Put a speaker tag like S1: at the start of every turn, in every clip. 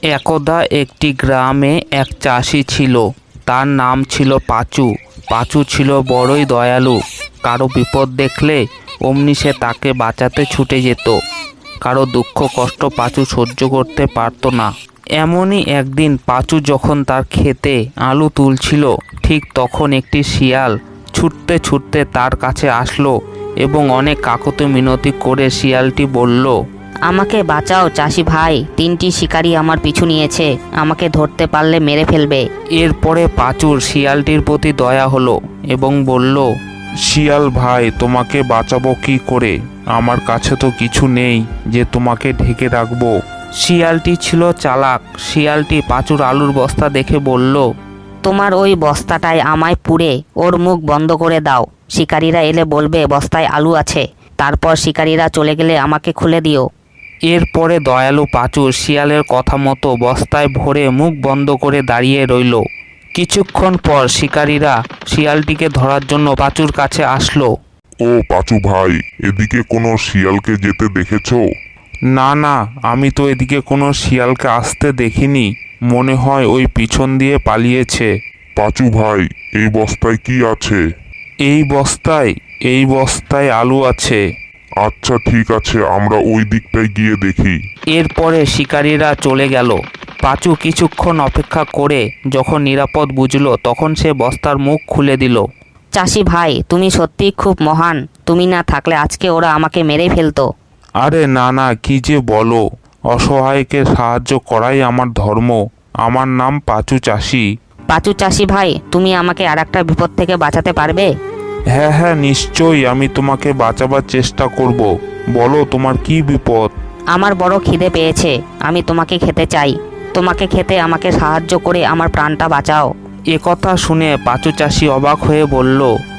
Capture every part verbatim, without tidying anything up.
S1: একদা একটি গ্রামে এক চাষি ছিল। তার নাম ছিল পাঁচু। পাঁচু ছিল বড়ই দয়ালু। কারো বিপদ দেখলে অমনি সে তাকে বাঁচাতে ছুটে যেত। কারো দুঃখ কষ্ট পাঁচু সহ্য করতে পারত না। এমনই একদিন পাঁচু যখন তার ক্ষেতে আলু তুলছিল, ঠিক তখন একটি শিয়াল ছুটতে ছুটতে তার কাছে আসলো এবং অনেক কাকুতি মিনতি করে শিয়ালটি বলল,
S2: আমাকে বাঁচাও চাষি ভাই, তিনটি শিকারী আমার পিছু নিয়েছে, আমাকে ধরতে পারলে মেরে ফেলবে।
S1: এরপরে পাঁচুর শিয়ালটির প্রতি দয়া হলো এবং বলল, শিয়াল ভাই, তোমাকে বাঁচাবো কি করে? আমার কাছে তো কিছু নেই যে তোমাকে ঢেকে রাখবো। শিয়ালটি ছিল চালাক। শিয়ালটি পাঁচুর আলুর বস্তা দেখে বলল,
S2: তোমার ওই বস্তাটায় আমায় পুড়ে ওর মুখ বন্ধ করে দাও। শিকারীরা এলে বলবে বস্তায় আলু আছে, তারপর শিকারীরা চলে গেলে আমাকে খুলে দিও।
S1: এরপরে দয়ালু পাঁচু শিয়ালের কথা মতো বস্তায় ভরে মুখ বন্ধ করে দাঁড়িয়ে রইল। কিছুক্ষণ পর শিকারীরা শিয়ালটিকে ধরার জন্য পাঁচুর কাছে আসলো।
S3: ও পাঁচু ভাই, এদিকে কোনো শিয়ালকে যেতে দেখেছো?
S1: না না, আমি তো এদিকে কোনো শিয়ালকে আসতে দেখিনি। মনে হয় ওই পিছন দিয়ে পালিয়েছে।
S3: পাঁচু ভাই, এই বস্তায় কি আছে?
S1: এই বস্তায় এই বস্তায় আলু আছে।
S3: আচ্ছা ঠিক আছে, আমরা ওই দিকটায় গিয়ে দেখি।
S1: এরপরে শিকারীরা চলে গেল। পাঁচু কিছুক্ষণ অপেক্ষা করে যখন নিরাপদ বুঝলো, তখন সে বস্তার মুখ খুলে দিল।
S2: চাষি ভাই, তুমি সত্যিই খুব মহান। তুমি না থাকলে আজকে ওরা আমাকে মেরে ফেলতো।
S1: আরে না না, কি যে বলো! অসহায়কে সাহায্য করাই আমার ধর্ম। আমার নাম পাঁচু চাষি।
S2: পাঁচু চাষি ভাই, তুমি আমাকে আর একটা বিপদ থেকে বাঁচাতে পারবে?
S1: হ্যাঁ হ্যাঁ, নিশ্চয়ই আমি তোমাকে বাঁচাবার চেষ্টা করব। বলো, তোমার কি বিপদ?
S2: আমার বড় খিদে পেয়েছে, আমি তোমাকে খেতে চাই। তোমাকে খেতে আমাকে সাহায্য করে আমার প্রাণটা বাঁচাও।
S1: এ কথা শুনে পাঁচু চাষি অবাক হয়ে বলল,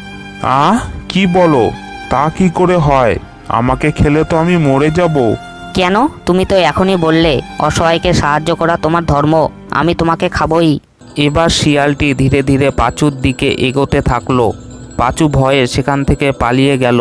S1: আহ কি বলো? তা কি করে হয়? আমাকে খেলে তো আমি মরে যাব।
S2: কেন? তুমি তো এখনই বললে অসহায়কে সাহায্য করা তোমার ধর্ম। আমি তোমাকে খাবই।
S1: এবার শিয়ালটি ধীরে ধীরে পাঁচুর দিকে এগোতে থাকলো। পাঁচু ভয়ে সেখান থেকে পালিয়ে গেল।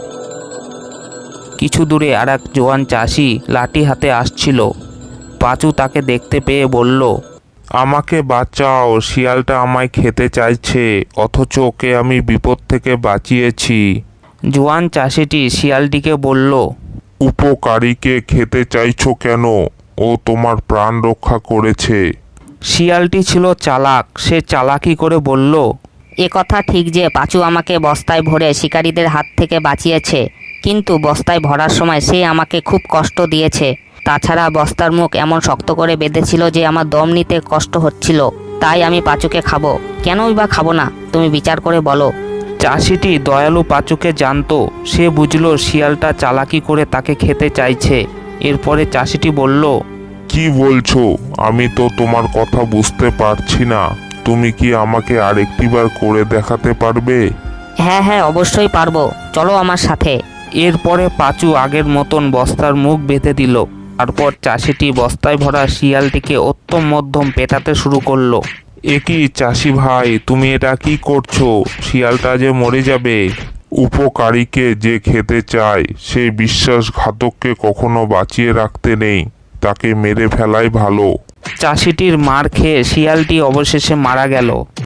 S1: কিছু দূরে আর এক জোয়ান চাষি লাঠি হাতে আসছিল। পাঁচু তাকে দেখতে পেয়ে বলল, আমাকে বাঁচাও, শিয়ালটা আমায় খেতে চাইছে, অথচ ওকে আমি বিপদ থেকে বাঁচিয়েছি। জোয়ান চাষিটি শিয়ালটিকে বলল,
S3: উপকারীকে খেতে চাইছো কেন? ও তোমার প্রাণ রক্ষা করেছে।
S1: শিয়ালটি ছিল চালাক। সে চালাকি করে বলল,
S2: এ কথা ঠিক যে পাঁচু আমাকে বস্তায় ভরে শিকারীদের হাত থেকে বাঁচিয়েছে, কিন্তু বস্তায় ভরার সময় সে আমাকে খুব কষ্ট দিয়েছে। তাছাড়া বস্তার মুখ এমন শক্ত করে বেঁধেছিল যে আমার দম নিতে কষ্ট হচ্ছিল। তাই আমি পাঁচুকে খাবো। কেনই বা খাবো না, তুমি বিচার করে বলো।
S1: চাষিটি দয়ালু পাঁচুকে জানতো। সে বুঝলো শিয়ালটা চালাকি করে তাকে খেতে চাইছে। এরপরে চাষিটি বলল,
S3: কি বলছো? আমি তো তোমার কথা বুঝতে পারছি না। তুমি কি আমাকে আরেকটিবার করে দেখাতে পারবে?
S2: হ্যাঁ হ্যাঁ, অবশ্যই পারবো, চলো আমার সাথে।
S1: এরপরে পাঁচু আগের মতন বস্তার মুখ বেঁধে দিল। তারপর চাষিটি বস্তায় ভরা শিয়ালটিকে অত্যম মধ্যম পেটাতে শুরু করলো। এ কি চাষি ভাই, তুমি এটা কি করছো? শিয়ালটা যে মরে যাবে।
S3: উপকারীকে যে খেতে চায় সেই বিশ্বাসঘাতককে কখনো বাঁচিয়ে রাখতে নেই, তাকে মেরে ফেলাই ভালো।
S1: চাষিটির মার খেয়ে শিয়ালটি অবশেষে মারা গেল।